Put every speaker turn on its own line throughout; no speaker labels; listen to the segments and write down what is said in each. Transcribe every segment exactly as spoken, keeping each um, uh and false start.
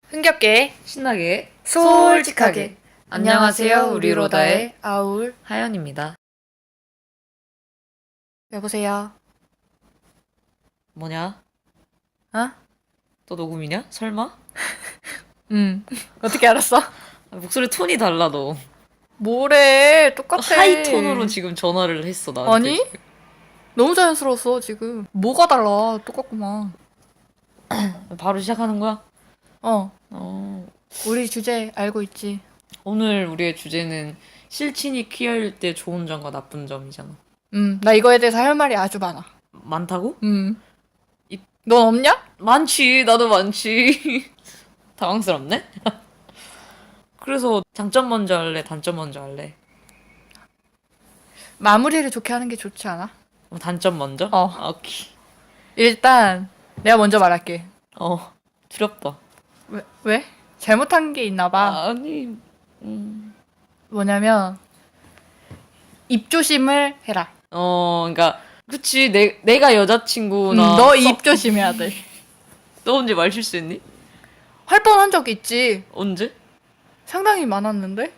흥겹게
신나게
솔직하게.
안녕하세요, 우리 로다의
아울.
하연입니다.
여보세요.
뭐냐?
어?
또 녹음이냐? 설마?
응. 어떻게 알았어?
아, 목소리 톤이 달라 너.
뭐래? 똑같아.
하이톤으로 지금 전화를 했어 나한테.
아니?
지금.
너무 자연스러웠어 지금. 뭐가 달라? 똑같구만.
바로 시작하는 거야?
어.
어.
우리 주제 알고 있지?
오늘 우리의 주제는 실친이 퀴어일 때 좋은 점과 나쁜 점이잖아.
음. 나 이거에 대해서 할 말이 아주 많아.
많다고?
음.
이-
넌 없냐?
많지. 나도 많지. 당황스럽네? 그래서 장점 먼저 할래? 단점 먼저 할래?
마무리를 좋게 하는 게 좋지 않아?
어, 단점 먼저?
어.
아, 오케이.
일단 내가 먼저 말할게.
어. 두렵다.
왜? 왜? 잘못한 게 있나 봐.
아니. 음.
뭐냐면 입조심을 해라.
어, 그러니까 그치. 내 내가 여자친구나.
음, 너
서-
입 조심해야 돼.
너 언제 말 실수했니?
할 뻔한 적 있지.
언제?
상당히 많았는데?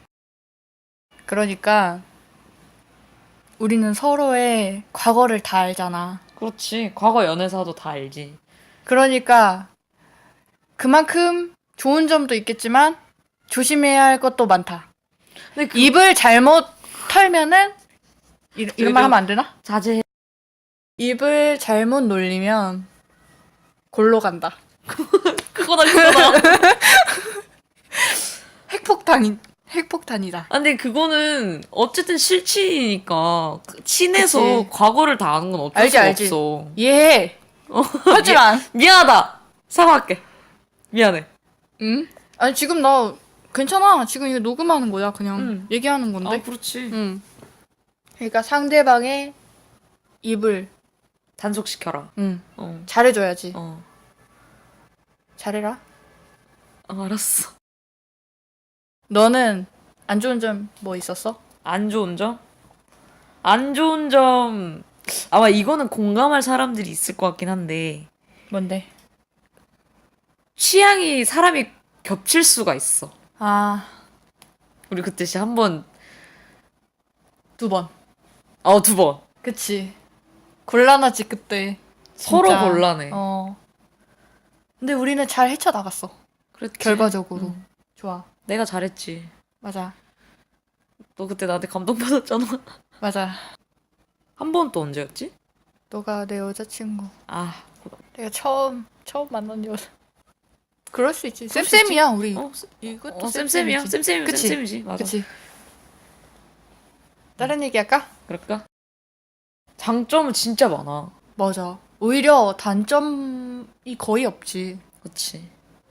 그러니까 우리는 서로의 과거를 다 알잖아.
그렇지. 과거 연애사도 다 알지.
그러니까 그만큼 좋은 점도 있겠지만 조심해야 할 것도 많다.
근데 그
입을 잘못 털면은 이, 이런 말
좀-
하면 안 되나?
자제해.
입을 잘못 놀리면 골로 간다.
그거다 그거다.
핵폭탄이 핵폭탄이다.
아, 근데 그거는 어쨌든 실친이니까 그 친해서
그치.
과거를 다 아는 건 어쩔
알지,
수가
알지.
없어.
이해해. 하지만
미안하다. 사과할게. 미안해.
응? 아니 지금 나 괜찮아. 지금 이거 녹음하는 거야. 그냥
응.
얘기하는 건데.
아, 그렇지.
응. 그러니까 상대방의 입을
단속시켜라.
응.
어.
잘해줘야지.
어.
잘해라.
어, 알았어.
너는 안 좋은 점 뭐 있었어?
안 좋은 점? 안 좋은 점 아마 이거는 공감할 사람들이 있을 것 같긴 한데
뭔데?
취향이 사람이 겹칠 수가 있어.
아,
우리 그때 시 한번
두 번.
어 두 번
그치. 곤란하지 그때.
서로
진짜.
곤란해.
어. 근데 우리는 잘 헤쳐나갔어.
그랬지.
결과적으로.
응.
좋아.
내가 잘했지.
맞아.
너 그때 나한테 감동받았잖아.
맞아.
한 번 또 언제였지?
너가 내 여자친구.
아,
내가 처음 처음 만난 여자. 그럴 수 있지.
그럴 수
쌤쌤이야 우리.
어,
이것도
어 쌤쌤이야.
쌤쌤이지.
쌤쌤이면
그치?
쌤쌤이지. 맞아.
그치. 다른 얘기 할까?
그럴까? 장점은 진짜 많아.
맞아. 오히려 단점이 거의 없지.
그치.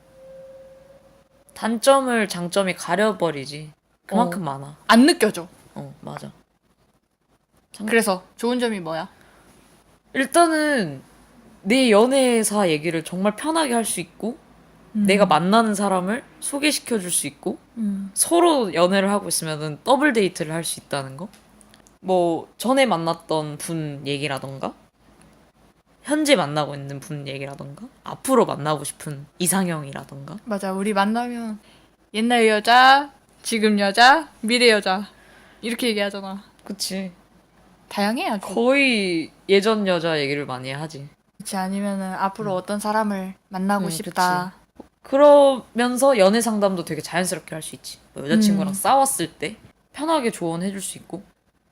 단점을 장점이 가려버리지. 그만큼 많아.
안 느껴져.
어, 맞아. 장-
그래서 좋은 점이 뭐야?
일단은 내 연애사 얘기를 정말 편하게 할 수 있고
음.
내가 만나는 사람을 소개시켜 줄 수 있고
음.
서로 연애를 하고 있으면은 더블 데이트를 할 수 있다는 거. 뭐 전에 만났던 분 얘기라던가 현재 만나고 있는 분 얘기라던가 앞으로 만나고 싶은 이상형이라던가
맞아. 우리 만나면 옛날 여자, 지금 여자, 미래 여자 이렇게 얘기하잖아.
그치.
다양해 아주.
거의 예전 여자 얘기를 많이 하지.
그렇지 않으면은 앞으로 어떤 사람을 만나고
음,
싶다.
그러면서 연애 상담도 되게 자연스럽게 할 수 있지. 뭐 여자친구랑
음.
싸웠을 때 편하게 조언해 줄 수 있고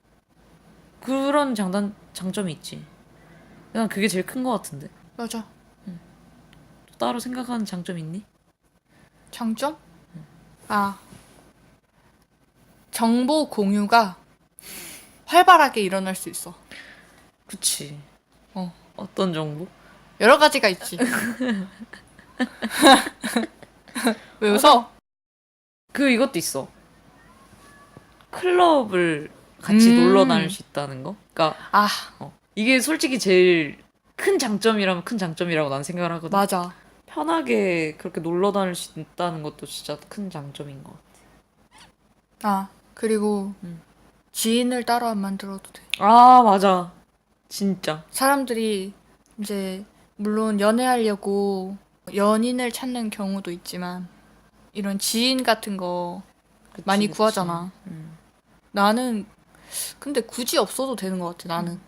그런 장단 장점이 있지. 난 그게 제일 큰 것 같은데.
맞아.
또 따로 생각하는 장점 있니?
장점? 아. 정보 공유가 활발하게 일어날 수 있어.
그치.
어.
어떤 정보?
여러 가지가 있지. 왜 웃어?
그 이것도 있어. 클럽을 같이
음.
놀러 다닐 수 있다는 거. 그러니까
아,
어, 이게 솔직히 제일 큰 장점이라면 큰 장점이라고 난 생각을 하거든.
맞아.
편하게 그렇게 놀러 다닐 수 있다는 것도 진짜 큰 장점인 것 같아.
아, 그리고
음.
지인을 따로 안 만들어도 돼.
아, 맞아. 진짜.
사람들이 이제 물론 연애하려고 연인을 찾는 경우도 있지만 이런 지인 같은 거
그치,
많이
그치.
구하잖아.
음.
나는 근데 굳이 없어도 되는 것 같아. 나는.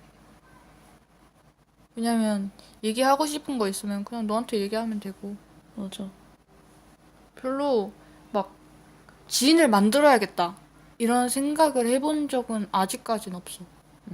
왜냐면 얘기하고 싶은 거 있으면 그냥 너한테 얘기하면 되고
맞아.
별로 막 지인을 만들어야겠다 이런 생각을 해본 적은 아직까진 없어.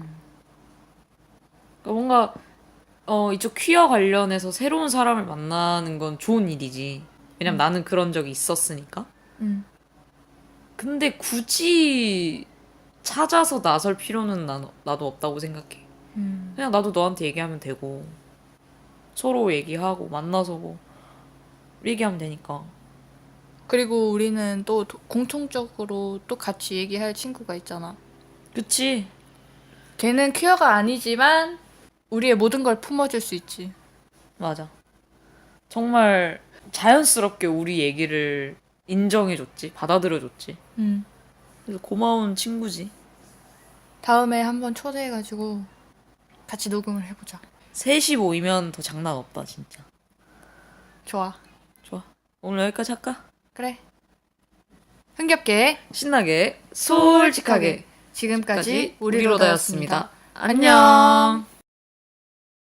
그러니까 뭔가 어 이쪽 퀴어 관련해서 새로운 사람을 만나는 건 좋은 일이지. 왜냐면
음.
나는 그런 적이 있었으니까.
음.
근데 굳이 찾아서 나설 필요는 난, 나도 없다고 생각해.
음.
그냥 나도 너한테 얘기하면 되고 서로 얘기하고 만나서 뭐 얘기하면 되니까.
그리고 우리는 또 도- 공통적으로 또 같이 얘기할 친구가 있잖아.
그치?
걔는 퀴어가 아니지만 우리의 모든 걸 품어줄 수 있지.
맞아. 정말 자연스럽게 우리 얘기를 인정해줬지. 받아들여줬지.
음.
그래서 고마운 친구지.
다음에 한번 초대해가지고 같이 녹음을 해보자.
셋이 모이면 더 장난 없다, 진짜.
좋아.
좋아. 오늘 여기까지 할까?
그래. 흥겹게
신나게,
솔직하게
솔직하게.
지금까지
까지
우리로
우리로
다였습니다.
다였습니다. 안녕.